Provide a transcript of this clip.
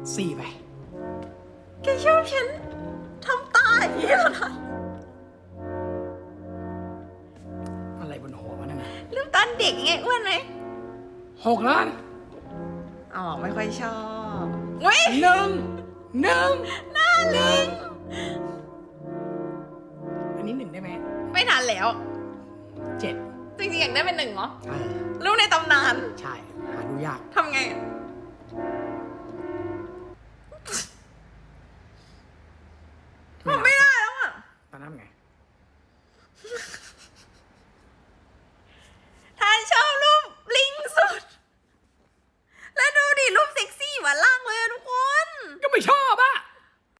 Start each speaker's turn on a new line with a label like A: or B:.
A: 4 ไป
B: แกชอบฉันทำตาอย่างนี้เหรอนะ
A: อะไรบนหัววะนั่นนะ
B: รูปตอนเด็กไงอ้วนไหม
A: 6 ล้าน
B: อ๋อไม่ค่อยชอบเว้ย
A: หนึ่งหนึ่ง
B: น่าลิง
A: อันนี้1ได้ไหม
B: ไม่ทันแล้ว
A: 7
B: จริงๆอยากได้เป็น1เหรอ
A: เออ
B: รูปในตำนาน
A: ใช่ หาดูยาก
B: ทำไงอะ